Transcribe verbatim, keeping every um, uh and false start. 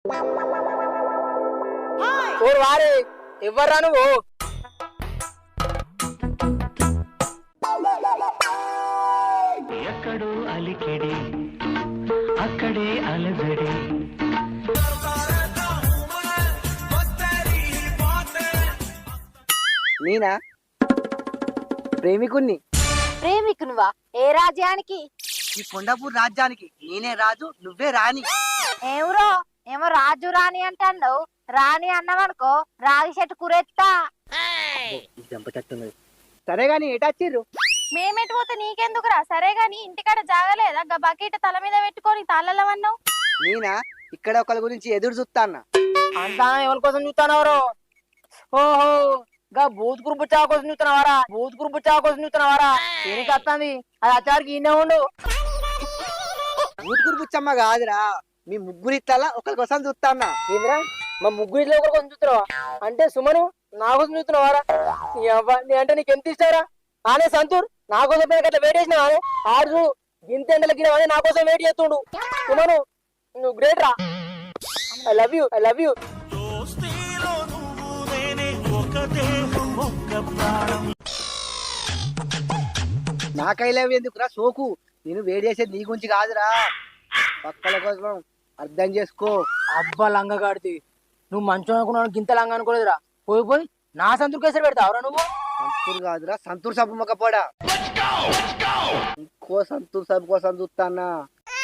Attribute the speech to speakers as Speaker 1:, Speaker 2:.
Speaker 1: ఓరు వారే ఎవర్రా నువ్వు?
Speaker 2: ఎక్కడో అలికిడి అక్కడే అలజడి.
Speaker 1: నేనా ప్రేమికుణ్ణి.
Speaker 3: ప్రేమికునువా? ఏ రాజ్యానికి?
Speaker 1: ఈ కొండాపూర్ రాజ్యానికి నేనే రాజు, నువ్వే రాణి.
Speaker 3: ఏమరో ఏమో రాజు రాణి అంటాడు. రాణి అన్నవనుకో రాగి చెట్టు కురెత్తా.
Speaker 1: చంపచట్టున్నది. సరే గాని ఎటచ్చిర్రు?
Speaker 3: మేమెటు పోతే నీకెందుకురా? సరే గాని ఇంటికాడ జాగలేదా? గా బకెట్ తల మీద పెట్టుకొని తాళలవన్నావు.
Speaker 1: నేనా ఇక్కడ ఒకరి గురించి ఎదురు చూస్తాన్నా.
Speaker 4: అంతా ఎవరి కోసం చూస్తున్నావారో? ఓహో గా బూత్ గ్రూప్ చా కోసం చూస్తున్నావారా? బూత్ గ్రూప్ చా కోసం చూస్తున్నావారా? దేనికి వస్తుంది? అది అచ్చారికి ఇన్నే ఉండు.
Speaker 1: ఊతుకురు బుచ్చమ్మ కాదురా, మీ ముగ్గురు ఇట్లా ఒకరి కోసం చూస్తాన్నా.
Speaker 4: ఏంద్రా మా ముగ్గురు ఇట్లా ఒకరి కోసం చూస్తున్నావా? అంటే సుమను నా కోసం చూస్తున్నావారా? నీ అంటే నీకు ఎంత ఇస్తారా? ఆనే సంతూర్ నా కోసం అట్లా వెయిట్ చేసినా ఆడు గింత ఎండలకి నా కోసం వెయిట్ చేస్తుండు. సుమను నువ్వు గ్రేట్ రా. I love you, I love you.
Speaker 1: నా కైలవి ఎందుకురా సోకు? నేను వేడి చేసేది నీ గురించి కాదురా, పక్కల కోసం అర్థం చేసుకో.
Speaker 4: అబ్బా లంగ కాడితే నువ్వు మంచం అనుకున్నావు, గింత లంగ అనుకోలేదురా. పోయి పోయి నా సంతూర్ కేసరి పెడతావురా నువ్వు?
Speaker 1: సంతూర్ కాదురా, సంతూర్ సబ్బు మొక్కపోడా. ఇంకో సంతూర్ సబ్బు కోసం చూస్తానా.